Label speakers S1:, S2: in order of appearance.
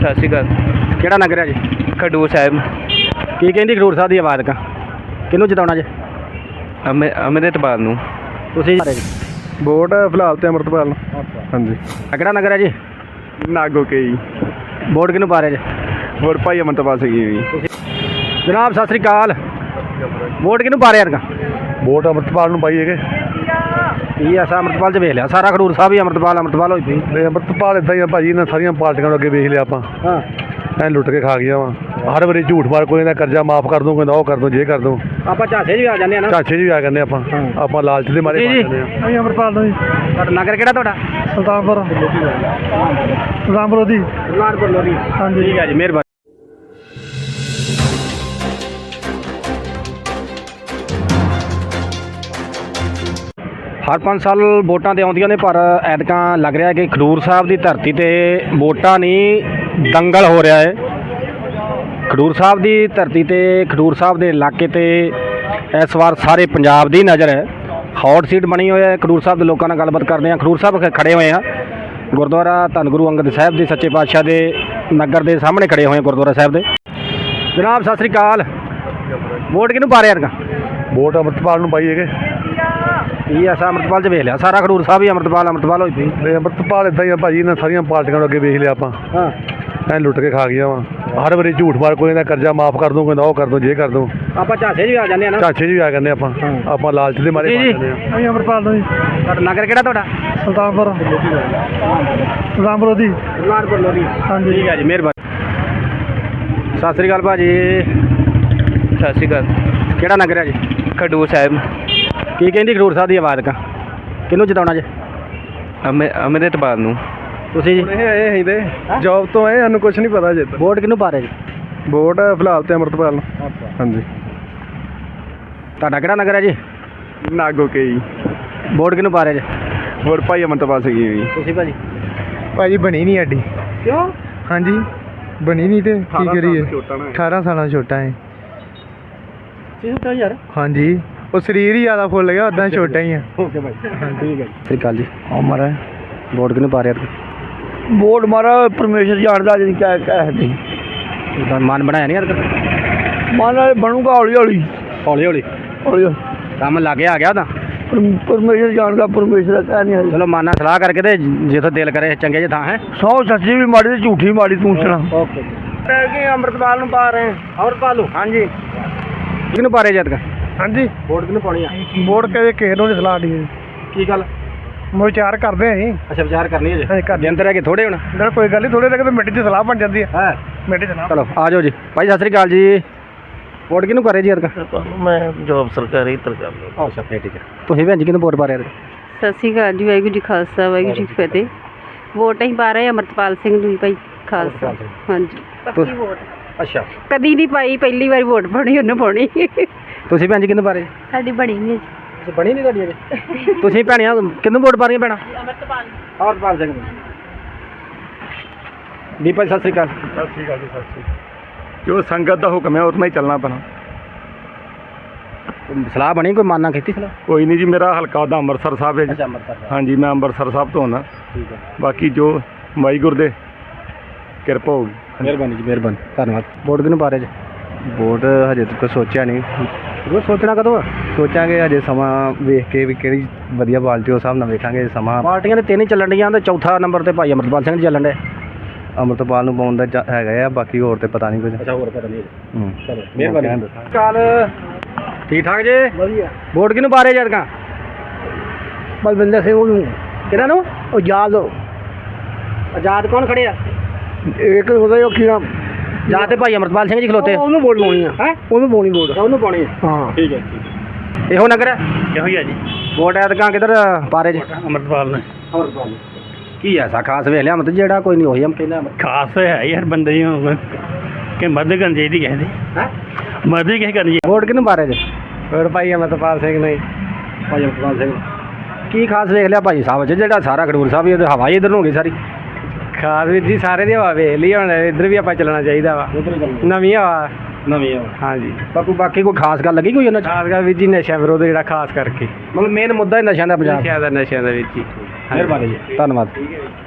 S1: ਸਤਿ ਸ਼੍ਰੀ ਅਕਾਲ।
S2: ਕਿਹੜਾ ਨਗਰ ਹੈ ਜੀ?
S1: ਖਡੂਰ ਸਾਹਿਬ।
S2: ਕੀ ਕਹਿੰਦੀ ਖਡੂਰ ਸਾਹਿਬ ਦੀ ਆਵਾਜ਼ ਕਾ ਕਿਹਨੂੰ ਜਿਤਾਉਣਾ ਜੀ?
S1: ਅੰਮ੍ਰਿਤਪਾਲ ਨੂੰ।
S2: ਤੁਸੀਂ
S3: ਵੋਟ ਫਿਲਹਾਲ ਤੇ ਅੰਮ੍ਰਿਤਪਾਲ ਨੂੰ। ਹਾਂਜੀ।
S2: ਕਿਹੜਾ ਨਗਰ ਹੈ ਜੀ?
S3: ਨਾਗੋ ਕੇ ਜੀ।
S2: ਵੋਟ ਕਿਹਨੂੰ ਪਾ ਰਹੇ ਜੀ?
S3: ਵੋਟ ਭਾਈ ਅੰਮ੍ਰਿਤਪਾਲ ਸਿੰਘ ਜੀ।
S2: ਜਨਾਬ ਸਤਿ ਸ੍ਰੀ ਅਕਾਲ। ਵੋਟ ਕਿਹਨੂੰ ਪਾ ਰਹੇ ਯਾਰ?
S3: ਵੋਟ ਅੰਮ੍ਰਿਤਪਾਲ ਨੂੰ ਪਾਈ ਹੈਗੇ।
S2: ਕੀ ਐਸਾ ਅੰਮ੍ਰਿਤਪਾਲ 'ਚ ਵੇਖ ਲਿਆ ਸਾਰਾ ਖਡੂਰ ਸਾਹਿਬ ਹੀ ਅੰਮ੍ਰਿਤਪਾਲ ਹੋਈ ਪਈ।
S3: ਨਹੀਂ ਅੰਮ੍ਰਿਤਪਾਲ ਇੱਦਾਂ ਹੀ ਆ ਭਾਜੀ, ਇਹਨਾਂ ਸਾਰੀਆਂ ਪਾਰਟੀਆਂ ਨੂੰ ਅੱਗੇ ਵੇਖ ਲਿਆ ਆਪਾਂ।
S2: ਹਾਂ
S3: ਐਂ ਲੁੱਟ ਕੇ ਖਾ ਗਿਆ ਵਾ ਹਰ ਵਾਰੀ ਝੂਠ ਮਾਰ ਕੋਈ ਇਹਦਾ ਕਰਜ਼ਾ ਮਾਫ ਕਰ ਦੂੰ, ਕਹਿੰਦਾ ਉਹ ਕਰ ਦੂੰ, ਜੇ ਕਰ ਦੂੰ।
S2: ਆਪਾਂ ਝਾਂਸੇ 'ਚ ਵੀ ਆ ਜਾਂਦੇ ਆ ਨਾ।
S3: ਝਾਂਸੇ 'ਚ ਵੀ ਆ ਜਾਂਦੇ ਆਪਾਂ ਲਾਲਚ ਦੇ ਮਾਰੇ ਪਾ ਜਾਂਦੇ ਆ। ਅਸੀਂ ਅੰਮ੍ਰਿਤਪਾਲ ਨੂੰ ਜੀ।
S2: ਤੁਹਾਡਾ ਨਗਰ ਕਿਹੜਾ ਤੁਹਾਡਾ?
S3: ਸੁਲਤਾਨਪੁਰ ਲੋਧੀ।
S2: ਸੁਲਤਾਨਪੁਰ ਲੋਧੀ।
S3: ਹਾਂਜੀ।
S2: ਠੀਕ ਹੈ ਜੀ, ਮਿਹਰਬਾਨੀ। ਹਰ 5 ਸਾਲ ਵੋਟਾਂ ਤੇ ਆਉਂਦੀਆਂ ਨੇ, ਪਰ ਐਤਕਾਂ ਲੱਗ ਰਿਹਾ ਕਿ ਖਡੂਰ ਸਾਹਿਬ ਦੀ ਧਰਤੀ ਤੇ ਵੋਟਾਂ ਨਹੀਂ ਦੰਗਲ ਹੋ ਰਿਹਾ ਹੈ। ਖਡੂਰ ਸਾਹਿਬ ਦੀ ਧਰਤੀ ਤੇ ਖਡੂਰ ਸਾਹਿਬ ਦੇ ਇਲਾਕੇ ਤੇ ਇਸ ਵਾਰ ਸਾਰੇ ਪੰਜਾਬ ਦੀ ਨਜ਼ਰ ਹੈ। ਹੌਟ ਸੀਟ ਬਣੀ ਹੋਈ ਹੈ। ਖਡੂਰ ਸਾਹਿਬ ਦੇ ਲੋਕਾਂ ਨਾਲ ਗੱਲਬਾਤ ਕਰਦੇ ਹਾਂ। ਖਡੂਰ ਸਾਹਿਬ ਖੜੇ ਹੋਏ ਆ ਗੁਰਦੁਆਰਾ ਧੰਨ ਗੁਰੂ ਅੰਗਦ ਸਾਹਿਬ ਦੇ ਸੱਚੇ ਪਾਤਸ਼ਾਹ ਦੇ ਨਗਰ ਦੇ ਸਾਹਮਣੇ ਖੜੇ ਹੋਏ ਗੁਰਦੁਆਰਾ ਸਾਹਿਬ ਦੇ। ਜਨਾਬ ਸਤਿ ਸ੍ਰੀ ਅਕਾਲ। ਵੋਟ ਕਿਹਨੂੰ ਪਾ ਰਹੇ ਯਾਰ?
S3: ਵੋਟ ਅੰਮ੍ਰਿਤਪਾਲ ਨੂੰ ਪਾਈ ਹੈਗੇ।
S2: ਕੀ ਐਸਾ ਅੰਮ੍ਰਿਤਪਾਲ 'ਚ ਵੇਖ ਲਿਆ ਸਾਰਾ ਖਡੂਰ ਸਾਹਿਬ ਹੀ ਅੰਮ੍ਰਿਤਪਾਲ ਹੋਈ ਪਈ।
S3: ਨਹੀਂ ਅੰਮ੍ਰਿਤਪਾਲ ਇੱਦਾਂ ਹੀ ਆ ਭਾਜੀ, ਇਹਨਾਂ ਸਾਰੀਆਂ ਪਾਰਟੀਆਂ ਨੂੰ ਅੱਗੇ ਵੇਖ ਲਿਆ ਆਪਾਂ।
S2: ਹਾਂ
S3: ਐਂ ਲੁੱਟ ਕੇ ਖਾ ਗਿਆ ਵਾ ਹਰ ਵਾਰੀ ਝੂਠ ਮਾਰ ਕੋਈ ਇਹਦਾ ਕਰਜ਼ਾ ਮਾਫ ਕਰ ਦੂੰ, ਕਹਿੰਦਾ ਉਹ ਕਰ ਦੂੰ, ਜੇ ਕਰ ਦੂੰ।
S2: ਆਪਾਂ ਝਾਂਸੇ 'ਚ ਵੀ ਆ ਜਾਂਦੇ ਆ ਨਾ।
S3: ਝਾਂਸੇ 'ਚ ਵੀ ਆ ਜਾਂਦੇ ਆਪਾਂ ਲਾਲਚ ਦੇ ਮਾਰੇ ਪਾ ਜਾਂਦੇ ਆ। ਅਸੀਂ ਅੰਮ੍ਰਿਤਪਾਲ ਨੂੰ ਜੀ।
S2: ਤੁਹਾਡਾ ਨਗਰ ਕਿਹੜਾ ਤੁਹਾਡਾ?
S3: ਸੁਲਤਾਨਪੁਰ ਲੋਧੀ।
S2: ਸੁਲਤਾਨਪੁਰ ਲੋਧੀ।
S3: ਹਾਂਜੀ।
S2: ਠੀਕ ਹੈ ਜੀ, ਮਿਹਰਬਾਨੀ। ਸਤਿ ਸ੍ਰੀ ਅਕਾਲ ਭਾਜੀ।
S1: ਸਤਿ ਸ਼੍ਰੀ ਅਕਾਲ।
S2: ਕਿਹੜਾ ਨਗਰ ਹੈ ਜੀ?
S1: ਖਡੂਰ ਸਾਹਿਬ।
S2: ਕੀ ਕਹਿੰਦੀ ਖਡੂਰ ਸਾਹਿਬ ਦੀ ਆਵਾਜ਼ ਕਾ ਕਿਹਨੂੰ ਜਿਤਾਉਣਾ ਜੀ?
S1: ਅੰਮ੍ਰਿਤਪਾਲ ਨੂੰ।
S2: ਤੁਸੀਂ ਜੀ?
S3: ਇਹ ਹੀ ਦੇ ਜੌਬ ਤੋਂ ਆਏ, ਸਾਨੂੰ ਕੁਝ ਨਹੀਂ ਪਤਾ ਜੇ।
S2: ਵੋਟ ਕਿਹਨੂੰ ਪਾ ਰਹੇ ਜੀ?
S3: ਵੋਟ ਫਿਲਹਾਲ ਤੇ ਅੰਮ੍ਰਿਤਪਾਲ ਨੂੰ। ਹਾਂਜੀ।
S2: ਤੁਹਾਡਾ ਕਿਹੜਾ ਨਗਰ ਹੈ ਜੀ?
S3: ਨਾਗੋ ਕੇ ਜੀ।
S2: ਵੋਟ ਕਿਹਨੂੰ ਪਾ ਰਹੇ ਜੀ?
S3: ਵੋਟ ਭਾਈ ਅੰਮ੍ਰਿਤਪਾਲ ਸਿੰਘ ਜੀ।
S2: ਤੁਸੀਂ ਭਾਜੀ?
S3: ਭਾਜੀ ਬਣੀ ਨਹੀਂ ਸਾਡੀ।
S2: ਕਿਉਂ?
S3: ਹਾਂਜੀ ਬਣੀ ਨਹੀਂ ਤੇ ਕੀ ਕਰੀਏ। 18 ਸਾਲਾਂ ਛੋਟਾ ਹੈ।
S2: ਯਾਰ
S3: ਹਾਂਜੀ ਉਹ ਸਰੀਰ ਹੀ ਜ਼ਿਆਦਾ ਫੁੱਲ ਗਿਆ, ਉਦਾਂ ਛੋਟਾ ਹੀ ਆ।
S2: ਓਕੇ ਭਾਈ, ਠੀਕ ਹੈ। ਸਤਿ ਸ੍ਰੀ ਅਕਾਲ ਜੀ।
S3: ਉਮਰ ਹੈ।
S2: ਵੋਟ ਕਿਹਨੂੰ ਪਾ ਰਹੇ ਯਾਰ?
S3: ਵੋਟ ਮਾਰਾ ਪਰਮੇਸ਼ਰ ਜਾਣਦਾ ਜੀ ਕਿਆ ਕਹਿਦੇ।
S2: ਉਹਦਾ ਮਨ ਬਣਾਇਆ ਨਹੀਂ ਯਾਰ?
S3: ਮਨ ਨਾਲ ਬਣੂਗਾ ਹੌਲੀ ਹੌਲੀ
S2: ਹੌਲੀ ਹੌਲੀ
S3: ਹੌਲੀ।
S2: ਕੰਮ ਲਾਗੇ ਆ ਗਿਆ ਤਾਂ
S3: ਪਰਮੇਸ਼ਰ ਜਾਣਦਾ, ਪਰਮੇਸ਼ਰ ਦਾ ਕਹਿ ਨਹੀਂ।
S2: ਚਲੋ ਮਨ ਨਾਲ ਸਲਾਹ ਕਰਕੇ ਤੇ ਜਿੱਥੇ ਦਿਲ ਕਰੇ ਚੰਗੇ ਜਿਹੇ ਥਾਂ ਹੈ।
S3: ਸੌ ਸੱਚੀ ਵੀ ਮਾੜੀ ਤੇ ਝੂਠੀ ਵੀ ਮਾੜੀ, ਤੂੰ ਸੁਣਾ।
S2: ਓਕੇ ਜੀ। ਅੰਮ੍ਰਿਤਪਾਲ ਨੂੰ ਪਾ ਰਹੇ? ਅੰਮ੍ਰਿਤਪਾਲ ਨੂੰ। ਹਾਂਜੀ। ਕਿਹਨੂੰ ਪਾ ਰਹੇ ਜਦ?
S3: ਹਾਂਜੀ
S2: ਵੋਟ ਕਿਹਨੂੰ ਪਾਉਣੀ ਆ?
S3: ਵੋਟ ਕਿਸੇ ਨੂੰ ਨਹੀਂ ਸਲਾਹ ਦੀ।
S2: ਕੀ ਗੱਲ?
S3: ਵਿਚਾਰ ਕਰਦੇ ਆਂ ਅਸੀਂ।
S2: ਅੱਛਾ ਵਿਚਾਰ ਕਰਨੀ ਹੈ ਜੀ।
S3: ਹਾਂਜੀ ਕਰਦੇ।
S2: ਦਿਨ ਤੇ ਰਹਿ ਕੇ ਥੋੜੇ ਹੁਣ।
S3: ਨਾ ਕੋਈ ਗੱਲ ਨਹੀਂ, ਥੋੜੇ ਰਹਿ ਕੇ ਤਾਂ ਮਿੰਟ 'ਚ ਸਲਾਹ ਬਣ ਜਾਂਦੀ ਹੈ।
S2: ਹੈ
S3: ਮਿੰਟ 'ਚ ਸਲਾਹ।
S2: ਚਲੋ ਆ ਜਾਓ ਜੀ। ਭਾਈ ਸਤਿ ਸ੍ਰੀ ਅਕਾਲ ਜੀ। ਵੋਟ ਕਿਹਨੂੰ ਕਰ ਰਹੇ ਜੀ ਯਾਰ?
S3: ਮੈਂ ਜੋਬ ਸਰਕਾਰੀ ਤਰਕਾਰ।
S2: ਅੱਛਾ ਠੀਕ ਹੈ। ਤੁਸੀਂ ਭੈਣ ਜੀ ਕਿਹਨੂੰ ਵੋਟ ਪਾ ਰਹੇ?
S4: ਸਤਿ ਸ਼੍ਰੀ ਅਕਾਲ ਜੀ। ਵਾਹਿਗੁਰੂ ਜੀ ਖਾਲਸਾ ਵਾਹਿਗੁਰੂ ਜੀ ਕੀ ਫਤਿਹ। ਵੋਟ ਅਸੀਂ ਪਾ ਰਹੇ ਅੰਮ੍ਰਿਤਪਾਲ ਸਿੰਘ ਨੂੰ ਭਾਈ ਖਾਲਸਾ। ਹਾਂਜੀ ਪੱਕੀ ਵੋਟ।
S2: ਅੱਛਾ
S4: ਕਦੀ ਨਹੀਂ ਪਾਈ, ਪਹਿਲੀ ਵਾਰੀ ਵੋਟ ਪਾਉਣੀ ਉਹਨੂੰ ਪਾਉਣੀ।
S2: ਤੁਸੀਂ ਭੈਣ ਜੀ ਕਿਹਨੂੰ ਪਾ ਰਹੇ?
S4: ਸਾਡੀ ਬਣੀ ਨਹੀਂ।
S2: ਅੱਛਾ ਬਣੀ ਨਹੀਂ ਤੁਹਾਡੀ ਅਜੇ? ਤੁਸੀਂ ਭੈਣੀਆਂ ਕਿਹਨੂੰ ਵੋਟ ਪਾ ਰਹੀਆਂ ਭੈਣਾਂ? ਅੰਮ੍ਰਿਤਪਾਲ ਸਿੰਘ ਨੂੰ। ਦੀਪਾ ਸਤਿ ਸ੍ਰੀ ਅਕਾਲ।
S3: ਸਤਿ ਸ਼੍ਰੀ ਅਕਾਲ ਜੀ। ਸਤਿ ਸ਼੍ਰੀ ਅਕਾਲ। ਜੋ ਸੰਗਤ ਦਾ ਹੁਕਮ ਹੈ ਉतना ਹੀ ਚੱਲਣਾ ਪੈਣਾ।
S2: ਸਲਾਹ ਬਣੀ ਕੋਈ? ਮਾਨਾ ਕੀਤੀ ਸਲਾਹ?
S3: ਕੋਈ ਨਹੀਂ ਜੀ, ਮੇਰਾ ਹਲਕਾ ਦਾ ਅੰਮ੍ਰਿਤਸਰ ਸਾਹਿਬ ਹੈ ਜੀ।
S2: ਅੱਛਾ ਅੰਮ੍ਰਿਤਸਰ।
S3: ਹਾਂਜੀ ਮੈਂ ਅੰਮ੍ਰਿਤਸਰ ਸਾਹਿਬ ਤੋਂ ਆਉਣਾ।
S2: ਠੀਕ ਹੈ,
S3: ਬਾਕੀ ਜੋ ਵਾਹਿਗੁਰੂ ਦੇ ਕਿਰਪਾ ਹੋਊਗੀ।
S2: ਮਿਹਰਬਾਨੀ ਜੀ, ਮਿਹਰਬਾਨੀ, ਧੰਨਵਾਦ। ਵੋਟ ਕਿਹਨੂੰ ਪਾ ਰਹੇ ਜੀ?
S3: ਵੋਟ ਹਜੇ ਤੱਕ ਸੋਚਿਆ ਨਹੀਂ।
S2: ਉਹ ਸੋਚਣਾ ਕਦੋਂ ਆ?
S3: ਸੋਚਾਂਗੇ ਹਜੇ ਸਮਾਂ ਵੇਖ ਕੇ ਵੀ ਕਿਹੜੀ ਵਧੀਆ ਪਾਰਟੀ, ਉਸ ਹਿਸਾਬ ਨਾਲ ਵੇਖਾਂਗੇ ਸਮਾਂ।
S2: ਪਾਰਟੀਆਂ ਦੇ ਤਿੰਨ ਹੀ ਚੱਲਣ ਡੀਆਂ ਤੇ ਚੌਥਾ ਨੰਬਰ ਤੇ ਭਾਈ ਅੰਮ੍ਰਿਤਪਾਲ ਸਿੰਘ ਚੱਲਣ ਡੇ।
S3: ਅੰਮ੍ਰਿਤਪਾਲ ਨੂੰ ਪਾਉਣ ਦਾ ਹੈਗਾ ਆ, ਬਾਕੀ ਹੋਰ ਤੇ ਪਤਾ ਨਹੀਂ ਕੁਝ।
S2: ਅੱਛਾ ਹੋਰ ਪਤਾ ਨਹੀਂ।
S3: ਚਲੋ
S2: ਮਿਹਰਬਾਨੀ। ਕਾਲ ਠੀਕ ਠਾਕ ਜੀ?
S3: ਵਧੀਆ।
S2: ਵੋਟ ਕਿਹਨੂੰ ਪਾ ਰਹੇ ਜਦ ਕਾ?
S3: ਬਲਵਿੰਦਰ ਸਿੰਘ ਨੂੰ।
S2: ਕਿਹਨਾਂ ਨੂੰ?
S3: ਆਜ਼ਾਦ।
S2: ਆਜ਼ਾਦ ਕੌਣ ਖੜੇ ਆ?
S3: ਇੱਕ ਉਹਦਾ ਕੀ ਨਾਮ?
S2: ਜਾਂ ਤੇ ਭਾਈ ਅੰਮ੍ਰਿਤਪਾਲ ਸਿੰਘ ਜੀ ਖਲੋਤੇ।
S3: ਉਹਨੂੰ ਵੋਟ ਪਾਉਣੀ ਆ।
S2: ਹੈ
S3: ਉਹਨੂੰ ਪਾਉਣੀ ਵੋਟ।
S2: ਉਹਨੂੰ ਪਾਉਣੀ ਹੈ।
S3: ਹਾਂ
S2: ਠੀਕ ਹੈ। ਇਹੋ ਨਗਰ ਹੈ?
S3: ਇਹੋ ਹੀ ਆ ਜੀ।
S2: ਵੋਟ ਐਤਕਾਂ ਕਿੱਧਰ ਪਾ ਰਹੇ ਜੀ?
S3: ਅੰਮ੍ਰਿਤਪਾਲ ਨੇ।
S2: ਅੰਮ੍ਰਿਤਪਾਲ। ਕੀ ਐਸਾ ਖਾਸ ਵੇਖ ਲਿਆ ਮਤਲਬ ਜਿਹੜਾ ਕੋਈ ਨਹੀਂ ਉਹੀ ਹਮ ਕਹਿੰਦਾ
S3: ਖਾਸ ਹੈ ਯਾਰ ਬੰਦੇ ਹੀ ਕਿ ਮਦਦ ਕਰਨੀ ਚਾਹੀਦੀ ਕਿਸੇ ਦੀ।
S2: ਹੈ
S3: ਮਦਦ ਕਿਸੇ ਕਰਨੀ।
S2: ਵੋਟ ਕਿਹਨੂੰ ਪਾ ਰਹੇ ਜੀ?
S3: ਹੋਰ ਭਾਈ ਅੰਮ੍ਰਿਤਪਾਲ ਸਿੰਘ ਨੇ।
S2: ਭਾਈ ਅੰਮ੍ਰਿਤਪਾਲ ਸਿੰਘ। ਕੀ ਖਾਸ ਵੇਖ ਲਿਆ ਭਾਈ ਸਾਹਿਬ ਚ ਜਿਹੜਾ ਸਾਰਾ ਖਡੂਰ ਸਾਹਿਬ ਹੀ ਹਵਾ ਹੀ ਇੱਧਰ ਨੂੰ ਹੋ ਗਈ ਸਾਰੀ?
S3: ਖਾਸ ਵੀਰ ਜੀ ਸਾਰੇ ਦੀ ਹਵਾ ਵੇਖ ਲਈ, ਹੁਣ ਇੱਧਰ ਵੀ ਆਪਾਂ ਚੱਲਣਾ ਚਾਹੀਦਾ ਵਾ। ਨਵੀਂ ਹਵਾ।
S2: ਨਵੀਂ ਹਵਾ।
S3: ਹਾਂਜੀ।
S2: ਬਾਕੀ ਕੋਈ ਖਾਸ ਗੱਲ ਲੱਗੀ ਕੋਈ ਉਹਨਾਂ ਚ?
S3: ਖਾਸ ਕਰ ਵੀਰ ਜੀ ਨਸ਼ਾ ਵਿਰੋਧ ਜਿਹੜਾ ਖਾਸ ਕਰਕੇ
S2: ਮਤਲਬ ਮੇਨ ਮੁੱਦਾ ਹੀ ਨਸ਼ਿਆਂ ਦਾ ਪੰਜਾਬ।
S3: ਨਸ਼ਿਆਂ ਦਾ ਵੀਰ ਜੀ।
S2: ਮਿਹਰਬਾਨੀ ਜੀ, ਧੰਨਵਾਦ।